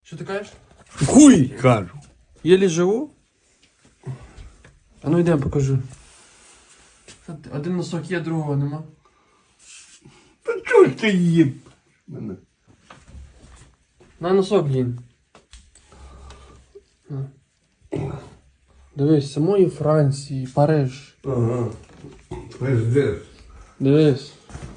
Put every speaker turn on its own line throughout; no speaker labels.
Що ти кажеш?
Хуй кажу.
Єлі живу? А ну йдемо покажу. Один носок є, другого нема.
Та чого ж ти їм? Мене.
На носок їм. Дивись, самої Франції, Париж.
Ага. Пиздець.
Дивись.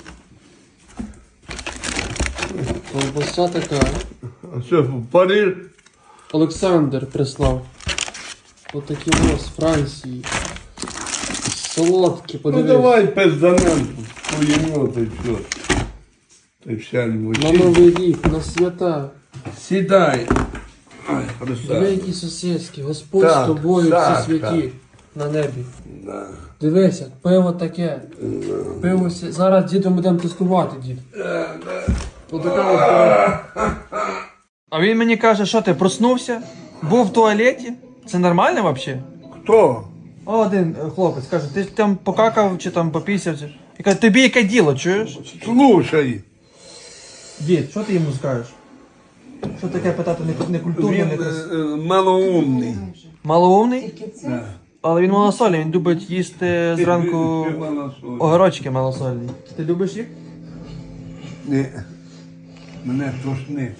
Колбаса така.
А що, в Париж?
Олександр прислав. Отакі ось з Франції. Солодкі,
Ну
подивись.
давай пизданем. Поїмо, та й все. Та й вся
На
львочі.
Новий рік, на свята.
Сідай. Ай,
Диви,
красавчик.
які сусідські. Господь
Так,
з тобою,
так,
всі святі. На небі.
Да.
Дивися, пиво таке. Пиво зараз дідом будемо тестувати, дід. Отака ось пиво. А він мені каже, що ти проснувся? Був в туалеті? Це нормально взагалі?
Хто?
Один хлопець каже, ти там покакав чи там попісяв. І каже, тобі яке діло, чуєш?
Слушай.
Дід, що ти йому скажеш? Що таке питати некультурно,
Він
некрасиво?
малоумний.
Малоумний?
Да.
Але він малосольний, він любить їсти зранку
Ти малосольний.
огірочки малосольні. Ти любиш їх?
Ні. Мене тошнить.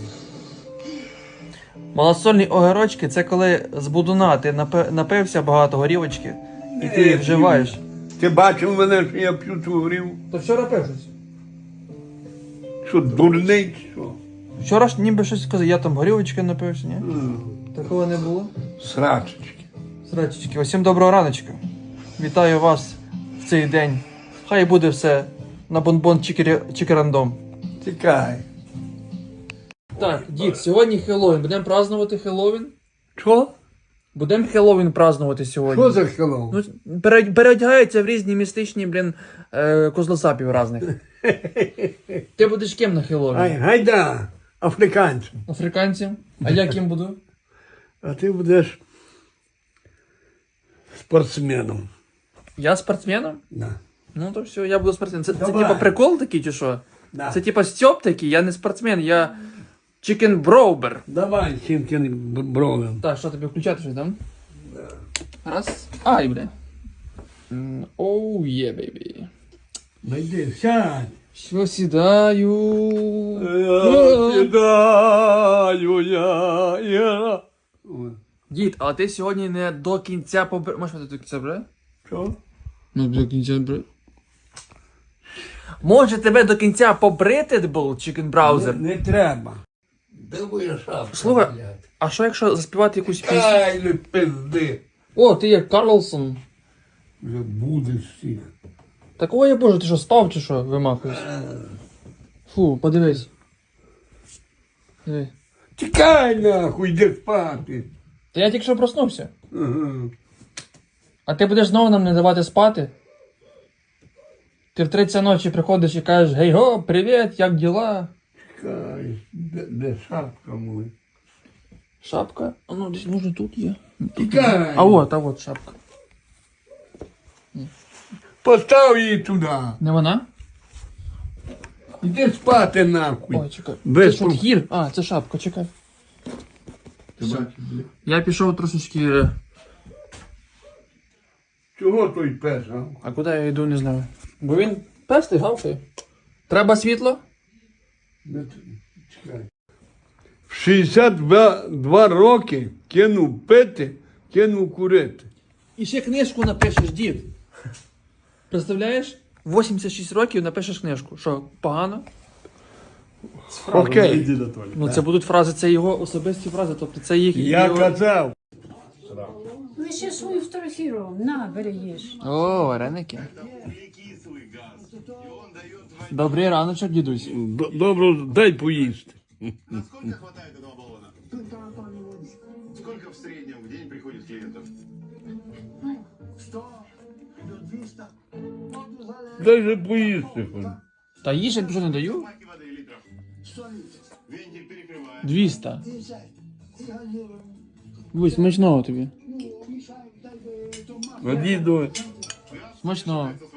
Малосольні огірочки це коли з будуна ти напився багато горілочки і ти їх вживаєш.
Ти бачив мене, що я п'ю ту горів?
То вчора пив щось?
Що, дурний, чи що?
Вчора ж ніби щось сказав, я там горілочки напився, ні? Такого не було?
Срачечки.
Срачечки, усім доброго раночка. Вітаю вас в цей день. Хай буде все на бонбон чикерандом.
Тікай.
Так, дід, сьогодні Хеллоуін. Будемо празднувати Хеллоуін?
Що?
Будемо Хеллоуін празднувати сьогодні.
Що за хеллоу?
Ну, переодягаються в різні містичні, козлосапів різних. Ти будеш ким на Хеллоуін?
Ай, гайда, африканцем.
Африканцем? А я ким буду?
А ти будеш спортсменом.
Я спортсменом?
Да.
Ну то все, я буду спортсменом. Це
Давай.
типа прикол такий чи що?
Да.
Це типа Стьоп такий, я не спортсмен, я чикен-броубер.
Давай, Сімкін бровен.
Так, що тобі включати щось, там? Раз. Ай, бля. Оу, є, бейбі.
Найди, сядь.
Що сідаю?
Сідаю я.
Дід, а ти сьогодні не до кінця Можеш мене до кінця брати?
Що?
Ну, до кінця брати. Може тебе до кінця побрити був, чикен браузер?
Не треба. Де моя шапка?
Слухай,
блядь?
а що якщо заспівати якусь пісню?
Ай, не пизди.
О, ти як Карлсон.
Вже будеш всіх.
Такого я боже, ти що, спав чи що, вимахуєш? Фу, подивись. Диви.
Тікай нахуй, йди спати.
Та я тільки що проснувся.
Ага.
А ти будеш знову нам не давати спати? Ти в 30 ночі приходиш і кажеш, гей го, привіт, як діла?
Чекай, де шапка моя?
Шапка? А ну десь може тут є.
Тікай.
А от шапка.
Постав її туди.
Не вона?
Іди спати нахуй.
Ой, чекай.
Без
Це що, гір? А, це шапка, чекай.
Ти бачиш, блядь?
Я пішов трошечки.
Чого той пес, а?
А куди я йду, не знаю. Бо він пестий, гавкає. Треба світло?
Чекай. В 62 роки кинув пити, кинув курити.
І ще книжку напишеш, дід. Представляєш? 86 років напишеш книжку. Що, погано?
Окей.
Ну це будуть фрази, це його особисті фрази, тобто це їх.
Я казав.
Лише свою фотографірував. На, бери їж.
О, вареники. Добрий раночок, дідусь.
Добре, дай поїсти.
Сколько хватает этого баллона? Сколько в среднем в день приходит клиентов?
Дай же поїсти.
Та їж, я більше не даю.
Баки воды литров. Вентиль перекрывает.
200. Ой, смачного тобі.
Діду.
Смачного.